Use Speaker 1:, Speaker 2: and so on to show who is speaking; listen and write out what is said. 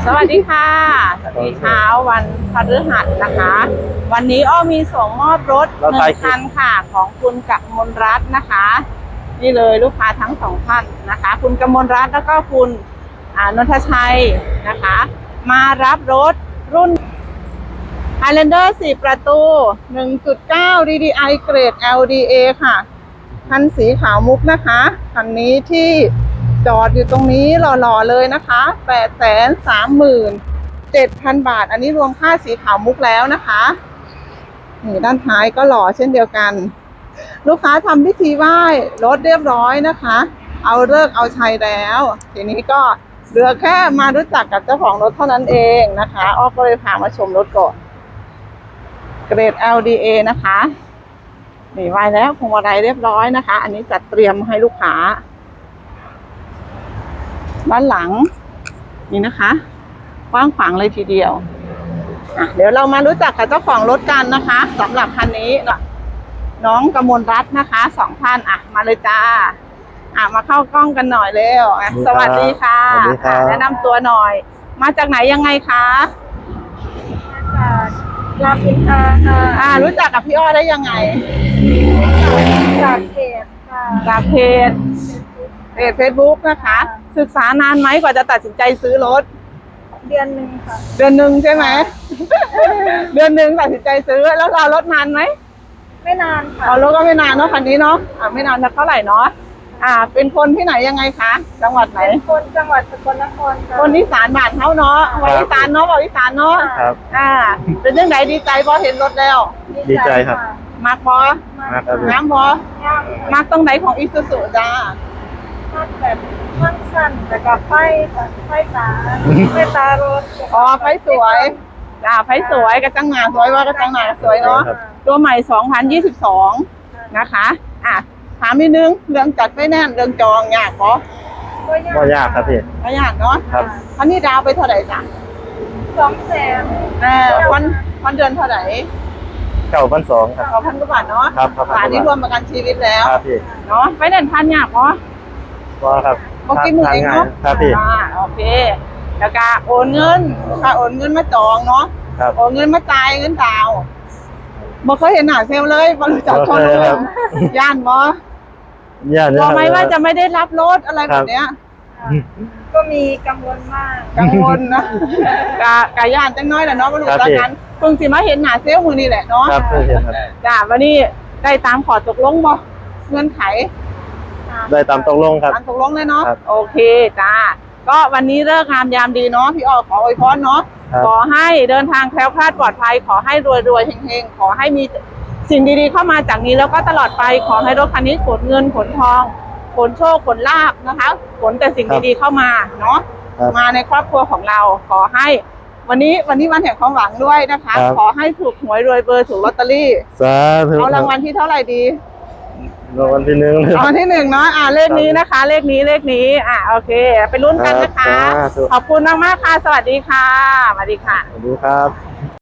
Speaker 1: สวัสดีค่ะในเช้าวันพฤหัสนะคะ วันนี้อ้อมีส่งมอบรถ1 คันค่ะของคุณกมลรัตน์นะคะ นี่เลยลูกค้าทั้ง2 ท่านนะคะ คุณกมลรัตน์แล้วก็คุณนนทชัยนะคะ มารับรถรุ่น Highlander 4 ประตู 1.9 DDI เกรด LDA ค่ะคันสีขาวมุกนะคะคันนี้ที่จอดอยู่ตรงนี้หล่อๆเลยนะคะ 837,000 บาทอันนี้รวมค่าสีขาวมุกแล้วนะคะนี่ด้านท้ายก็หล่อเช่นเดียวกันลูกค้าทำพิธีไหว้รถเรียบร้อยนะคะเอาฤกษ์เอาชัยแล้วทีนี้ก็เหลือแค่มารู้จักกับเจ้าของรถเท่านั้นเองนะคะอ้อก็เลยพามาชมรถก่อนเกรด LDA นะคะนี่ไหว้แล้วพวงมาลัยเรียบร้อยนะคะอันนี้จัดเตรียมให้ลูกค้าด้านหลังนี่นะคะกว้างขวางเลยทีเดียวเดี๋ยวเรามารู้จักกับเจ้าของรถกันนะคะสำหรับคันนี้น้องกมลรัตน์นะคะ2 ท่านมาเลยจ้ามาเข้ากล้องกันหน่อยเร็วสวัสดีค่ะแนะนำตัวหน่อยมาจากไหนยังไงคะ
Speaker 2: รามอินทราค่ะ
Speaker 1: รู้จักกับพี่อ้อได้ยังไง
Speaker 2: จากเพจค่ะ
Speaker 1: จากเพจFacebook นะคะศึกษานานไหมกว่าจะตัดสินใจซื้อรถ
Speaker 2: เดือนหนึ่งค่ะ
Speaker 1: เดือนหนึ่งใช่ไหม เดือนหนึ่งตัดสินใจซื้อแล้วรอรถนานไหม
Speaker 2: ไม่นานค่ะ
Speaker 1: รถก็ไม่นานเนาะคันนี้เนาะไม่นานเท่าไหร่เนาะเป็นคนที่ไหนยังไงคะจังหวัดไหน
Speaker 2: เป็นคนจังหวัดสกลนครค่ะ
Speaker 1: คนอีสานบ้านเฮาเนาะวัยอีสานเนาะบอกอีสานเนาะ
Speaker 3: ครับ
Speaker 1: เป็นเรื่องไหนดีใจพอเห็นรถแล้ว
Speaker 3: ดีใจครับ
Speaker 1: มากพอน้ำพอมากตรงไหนของอิซูซุจ้า
Speaker 2: แบบข้างสั้นแต่กับไฟตารถ
Speaker 1: ไฟสวยไฟสวยกระจังหน้าสวยว่ากระจังหน้าสวยเนาะตัวใหม่2022นะคะถามนิดนึงเรื่องจัดไฟแนนซ์เรื่องจองยากปะ
Speaker 3: ก็ยากครับพี่
Speaker 1: ก็ยากเนาะ
Speaker 3: ครับ
Speaker 1: คันนี้ดาวไปเท่าไหร่จ้ะ
Speaker 2: 200,000
Speaker 1: วันเดือนเท่าไหร่
Speaker 3: 9,200ครับ
Speaker 1: 9,000 กว่าบาทเนาะ
Speaker 3: ครับ
Speaker 1: นี่รวมประกันชีวิตแล้ว
Speaker 3: ครับพี่
Speaker 1: เนาะไฟแนนซ์พันยากปะ
Speaker 3: ก็ครับ
Speaker 1: กินมือเองเนาะ
Speaker 3: ครับพี่
Speaker 1: โอเคแล้วก็โอนเงินมาจองเนาะโอนเงินมาจ่ายเงินดาวบ่เคยเห็นหน้าเซลเลยบ่รู้จักคนเลยย่านบ่บอกไหมว่าจะไม่ได้รับรถอะไรแบบเนี้ย
Speaker 2: ก็มีกังวลมาก
Speaker 1: กังวลนะกะย่านจังน้อยแหละเนาะบ่รู้จักกันเพิ่งสิมาเห็นหน้าเซลมื้อนี้แหละเนาะ
Speaker 3: ครับ
Speaker 1: จ้าวันนี้ได้ตามขอตกลงบ่เงื่อนไข
Speaker 3: ได้ตามตกลงครับ
Speaker 1: ตามตกลงเลยเนาะโอเคจ้าก็วันนี้เลิกงามยามดีเนาะพี่อ้อขออวยพรเนาะขอให้เดินทางแคล้วคลาดปลอดภัยขอให้รวยเฮงๆขอให้มีสิ่งดีๆเข้ามาจากนี้แล้วก็ตลอดไปขอให้รถคันนี้ขนเงินขนทองขนโชคขนลาภนะคะขนแต่สิ่งดีๆเข้ามาเนาะมาในครอบครัวของเราขอให้วันนี้วันแห่งความหวังด้วยนะคะขอให้ถูกหวยรวยเบอร์ถูกลอตเตอรี่
Speaker 3: สาธุ
Speaker 1: เอารางวัลที่เท่าไหร่ดี
Speaker 3: รางวัลที่ 1
Speaker 1: รางวัลที่ 1เนาะเลขนี้นะคะเลขนี้โอเคไปลุ้นกันนะคะขอบคุณมากๆค่ะสวัสดีค่ะสวัสดีค่ะ
Speaker 3: สวัสดีครับ